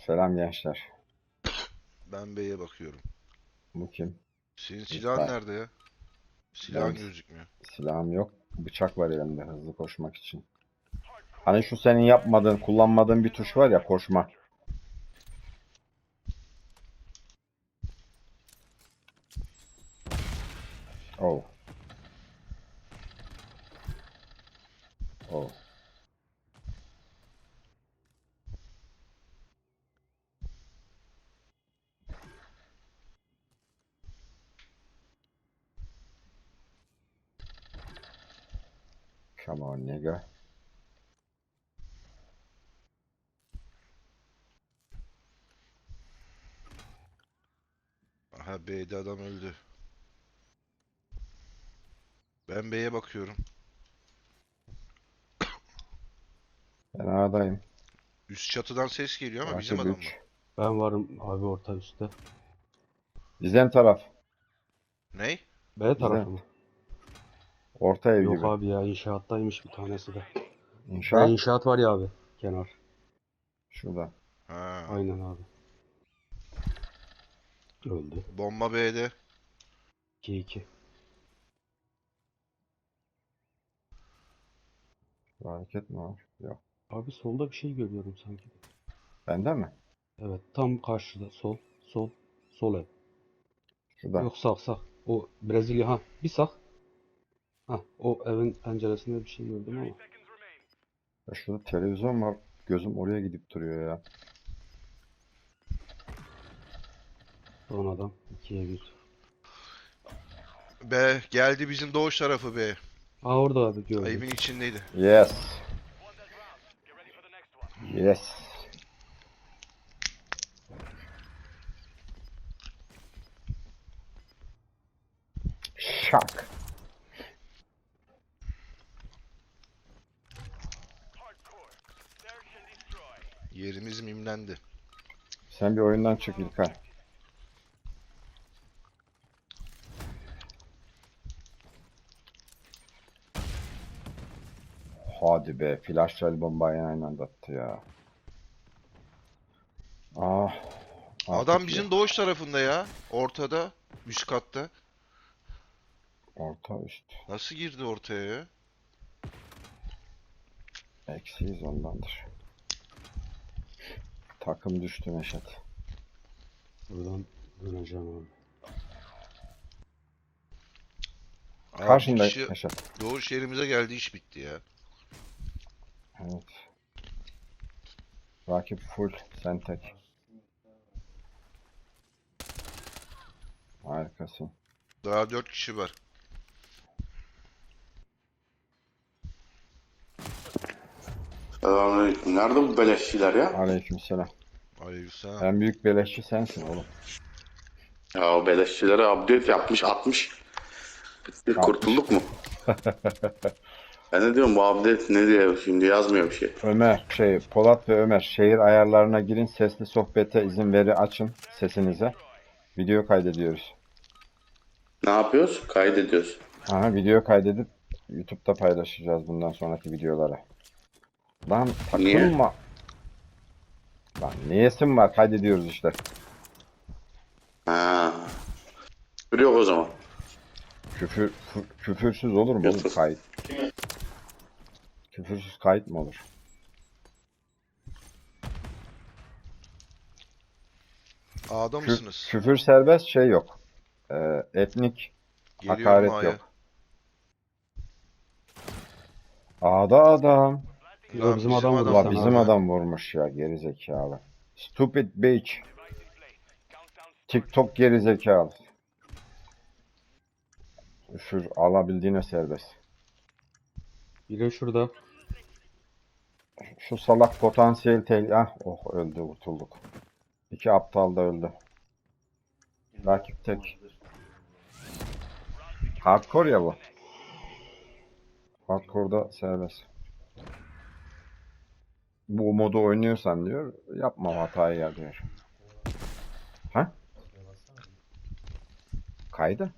Selam gençler. Ben B'ye bakıyorum. Bu kim? Senin silahın İlkay. nerede ya? Benim Silahın gözükmüyor. silahım yok. Bıçak var elimde hızlı koşmak için. Hani şu senin yapmadığın, kullanmadığın bir tuş var ya koşma. Oh. Oh. Come on nigga. Aha B'de adam öldü. Ben B'ye bakıyorum. Ben A'dayım. Üst çatıdan ses geliyor ama bizim Rakip adam mı? 3. Ben varım abi orta üstte. Bizden taraf. Ney? B tarafı Bizden. mı? Orta ev Yok gibi. abi ya inşaattaymış bir tanesi de. Ha İnşaat. inşaat var ya abi. Kenar. Şurada. Ha. Aynen abi. Öldü. Bomba B'de. 2-2. Bir hareket mi var? Yok. Abi solda bir şey görüyorum sanki. Bende mi? Evet tam karşıda sol. Sol. Sol ev. Şurada. Yok sağ sağ. O Brezilya ha. Bir sağ. Ha o evin penceresinde bir şey gördüm ama. Ya şurada televizyon var. Gözüm oraya gidip duruyor ya. Son adam. 2'ye 1. B. Geldi bizim doğuş tarafı B. Aa orada abi gördüm. Evin içindeydi. Yes. Yes. Şak. Yerimiz mimlendi. Sen bir oyundan çık İlkay. Hadi be. Flash bombayı aynı anda attı ya. Ah. Adam Artık ya. bizim doğuş tarafında ya. Ortada. Üst katta. Orta üst. Nasıl girdi ortaya ya? Eksiyiz ondandır. Takım düştü Neşet. Buradan döneceğim abi. Abi bir Karşında kişi Neşet. doğuş yerimize geldi, iş bitti ya. Evet. Rakip full. Sen tek. Harikasın. Daha 4 kişi var. Selamünaleyküm. Nerede bu beleşçiler ya? Aleykümselam. Aleykümselam. En büyük beleşçi sensin oğlum. Ya o beleşçilere update yapmış atmış. Bitti, 60. kurtulduk mu? Ben de diyorum bu update ne diye şimdi yazmıyor bir şey. Ömer, Polat ve Ömer şehir ayarlarına girin. Sesli sohbete izin veri açın sesinize. Video kaydediyoruz. Ne yapıyoruz? Kaydediyoruz. Aha, video kaydedip YouTube'da paylaşacağız bundan sonraki videoları. Lan Niye? takılma. Lan niyesin var? Kaydediyoruz işte. Ha. Yok o zaman. Küfürsüz olur mu oğlum YouTube. kayıt? Küfürsüz kayıt mı olur? A'da mısınız? Küfür serbest şey yok. Etnik Geliyorum hakaret A'ya. yok. A'da adam. Yo Lan bizim bizim adam vurdu adam La sana bizim abi. adam vurmuş ya gerizekalı. Stupid bitch. TikTok gerizekalı. Küfür alabildiğine serbest. Biri şurada. Şu salak potansiyel Ah oh öldü kurtulduk. İki aptal da öldü. Rakip tek. Hardcore ya bu. Hardcore'da serbest. Bu modu oynuyorsan diyor yapma hatayı ya diyor. Ha? Kaydı.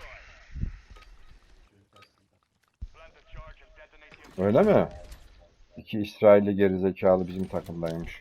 Öyle mi? İki İsrailli gerizekalı bizim takımdaymış.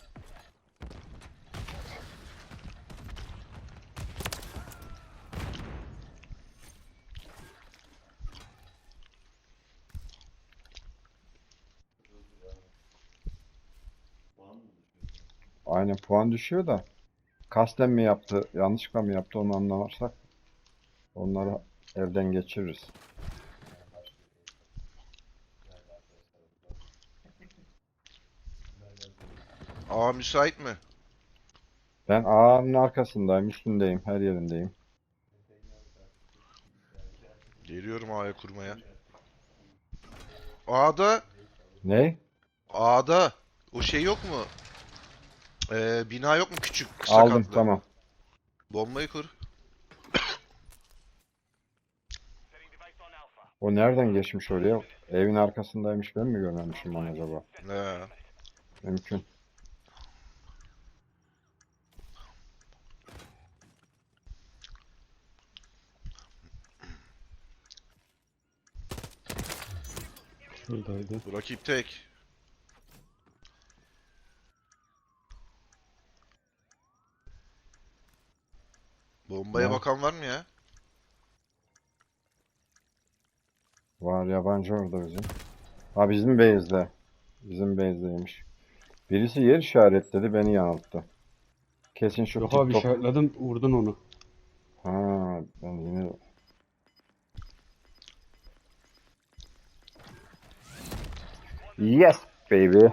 Aynen puan düşüyor da kasten mi yaptı, yanlışlıkla mı yaptı onu anlamazsak onları elden geçiririz. Aa müsait mi? Ben ağanın arkasındayım, üstündeyim, her yerindeyim. Geliyorum A'ya kurmaya. A'da, Ne? A'da o şey yok mu? Bina yok mu küçük kısa Aldım, katlı? tamam. Bombayı kur. O nereden geçmiş oraya? Evin arkasındaymış, ben mi görmemişim onu acaba? He. Mümkün. Şuradaydı. Bu rakip tek. Bombaya Ne? bakan var mı ya? Var yabancı orada bizim. Ha bizim base'de. Bizim base'deymiş. Birisi yer işaretledi, beni yanılttı. Kesin şu Yok abi TikTok. işaretledim vurdun onu. Ha, ben yine... Yes baby.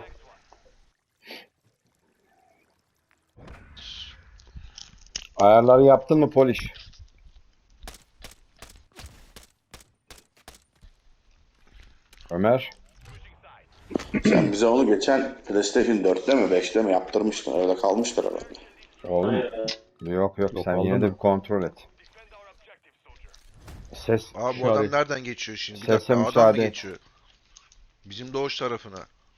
Ayarları yaptın mı Polish? Ömer? Sen bize onu geçen PlayStation 4'te mi 5'te mi yaptırmıştın? Öyle kalmıştır herhalde. Oğlum. Yok Yok, sen oldu yine de mu? bir kontrol et. Ses Aa bu adam İşaret. nereden geçiyor şimdi? Bir Sese dakika adam mı müsaade et. geçiyor? Bizim doğuş tarafına.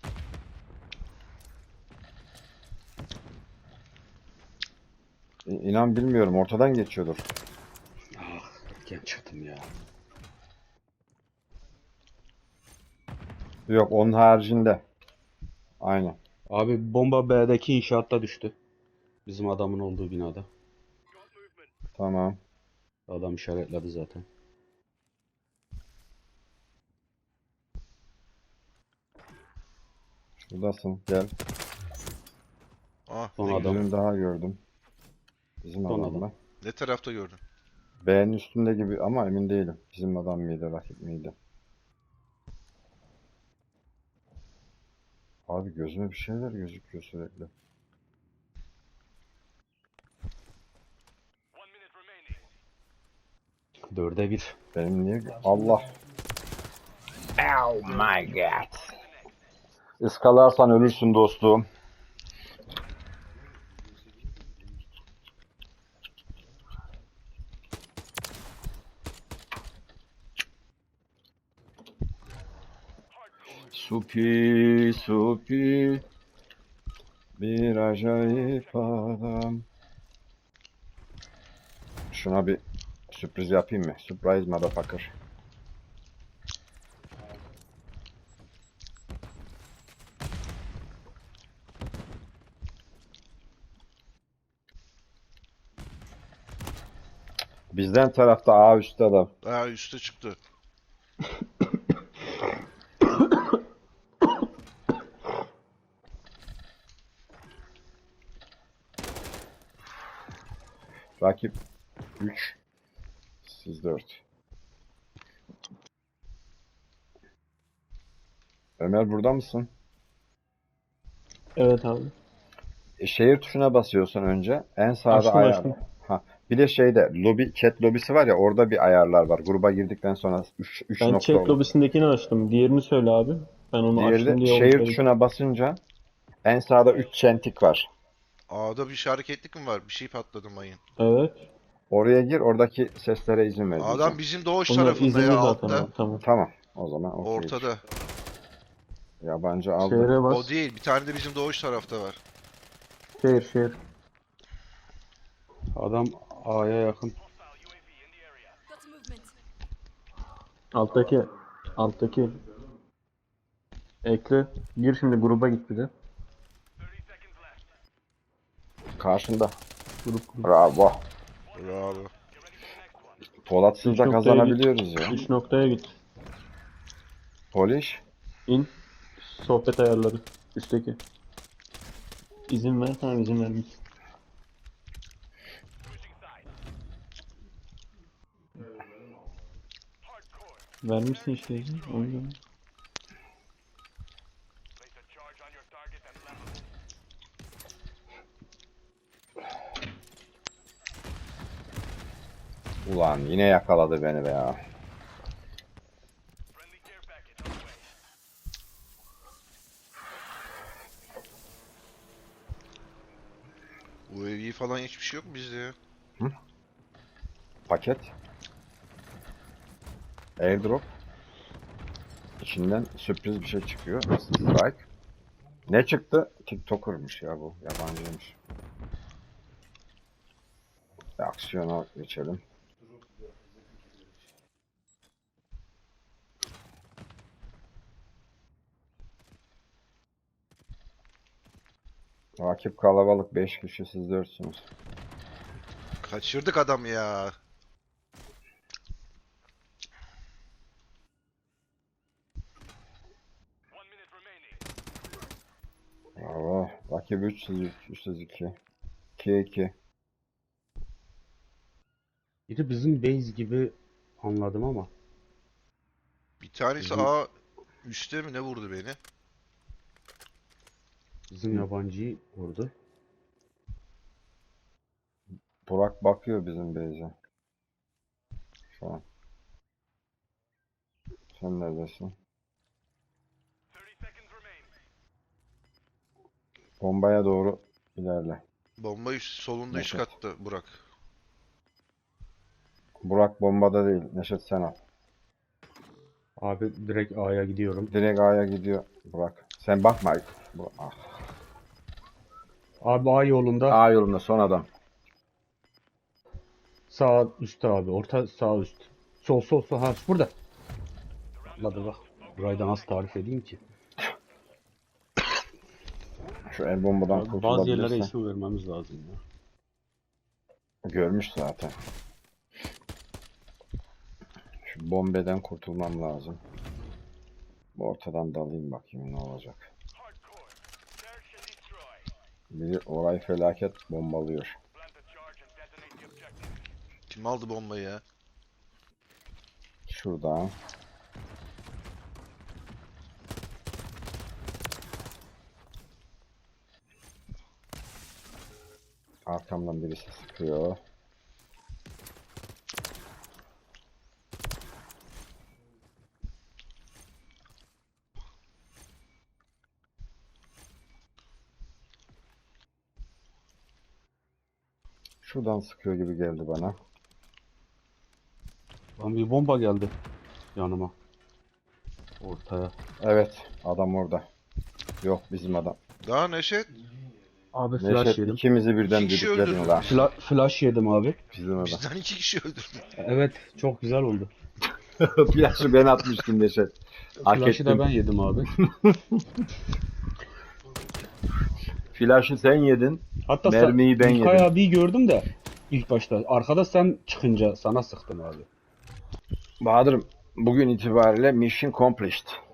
inan bilmiyorum, ortadan geçiyordur. Genç adam ya. Yok onun haricinde. Aynen. Abi bomba B'deki inşaatta düştü. Bizim adamın olduğu binada. Tamam. Adam işaretledi zaten. Şuradasın. Gel. Ah Son ne adam. güzel. Birini daha gördüm. Bizim Son adam adam. mı? Ne tarafta gördün? B'nin üstünde gibi ama emin değilim. Bizim adam mıydı, rakip miydi? Abi gözüme bir şeyler gözüküyor sürekli. Dörde bir. Benim niye... Allah. Oh my god. Iskalarsan ölürsün dostum. Supi, supi. Bir acayip adam. Şuna bir sürpriz yapayım mı? Surprise motherfucker. Bizden tarafta A üstte adam. Aa üste çıktı. Rakip 3. Siz 4. Ömer burada mısın? Evet abi. Şehir tuşuna basıyorsun önce. En sağda Açtım, ayar. açtım. Ha. Bir de şeyde lobi, chat lobisi var ya, orada bir ayarlar var. Gruba girdikten sonra 3 Ben nokta chat olur. lobisindekini açtım. Diğerini söyle abi. Ben onu Diğeri açtım de diye onu şehir söyledim. tuşuna basınca en sağda 3 çentik var. A'da bir hareketlik mi var? Bir şey patladı mayın. Evet. Oraya gir, oradaki seslere izin ver Adam diyeceğim. bizim doğuş Bunlar tarafında izinli ya zaten altta. abi. Tamam. Tamam. O zaman okey. Ortada. Yabancı aldı. Şehre O bas. değil. Bir tane de bizim doğuş tarafta var. Şehir. Adam A'ya yakın. Got movement. Alttaki. Ekle. Gir şimdi gruba git bir de. 30 seconds left. Karşında. Grup. Bravo. Bravo. Polatsız Üç da noktaya kazanabiliyoruz ya. 3 noktaya git. Polish. İn. Sohbet ayarları. Üstteki. İzin ver. Tamam izin vermiş. Switching sides. Hardcore. Vermişsin işte izin. O yüzden. Place a charge on your target and level it. Ulan yine yakaladı beni be ya. Friendly care package on the way. UAV falan hiçbir şey yok mu bizde ya? Paket. Airdrop. İçinden sürpriz bir şey çıkıyor. Strike. Ne çıktı? TikToker'mış ya bu. Yabancıymış. Aksiyona geçelim. Rakip kalabalık. 5 kişi, siz 4'sünüz. Kaçırdık adamı ya. One minute remaining. Bravo. Rakip 3, siz 3, siz 2. 2'ye 2. Biri bizim base gibi anladım ama. Bir tanesi Bizim- A üstte mi ne vurdu beni? Bizim yabancıyı vurdu. Burak bakıyor bizim base'e. Şu an. Sen neredesin? 30 seconds remain. Bombaya doğru ilerle. Bomba solunda üst Neşet. katta Burak. Burak bombada değil. Neşet sen al. Abi direkt A'ya gidiyorum. Direkt A'ya gidiyor Burak. Sen bakma. Ah. Abi A yolunda. A yolunda son adam. Sağ üstte abi. Orta sağ üst. Sol sol sol. Ha burada. Atladı bak. Burayı da nasıl tarif edeyim ki? Şu el bombadan Abi bazı yerlere kurtulabilirsen. isim vermemiz lazım ya. Görmüş zaten. Şu bombeden kurtulmam lazım. Ortadan dalayım bakayım ne olacak. Hardcore. Search and destroy. Biri orayı felaket bombalıyor. Plant a charge and detonate the objective. Kim aldı bombayı ya? Şuradan. Arkamdan birisi sıkıyor. Şuradan sıkıyor gibi geldi bana. Lan bir bomba geldi yanıma. Ortaya. Evet, adam orada. Yok bizim adam. Daha Neşet. Abi flash Neşet yedim. ikimizi birden İki kişi düdükledin öldürdü. lan. Flash yedim abi. Bizim adam. Bizden 2 kişi öldürdü. Evet çok güzel oldu. Flaşı ben atmıştım Neşet. Hak Flash'ı da ettim. ben yedim abi. Flaşı sen yedin. Hatta Mermiyi ben İlkay yedim. abiyi gördüm de ilk başta. Arkada sen çıkınca sana sıktım abi. Bahadır'ım bugün itibariyle mission accomplished.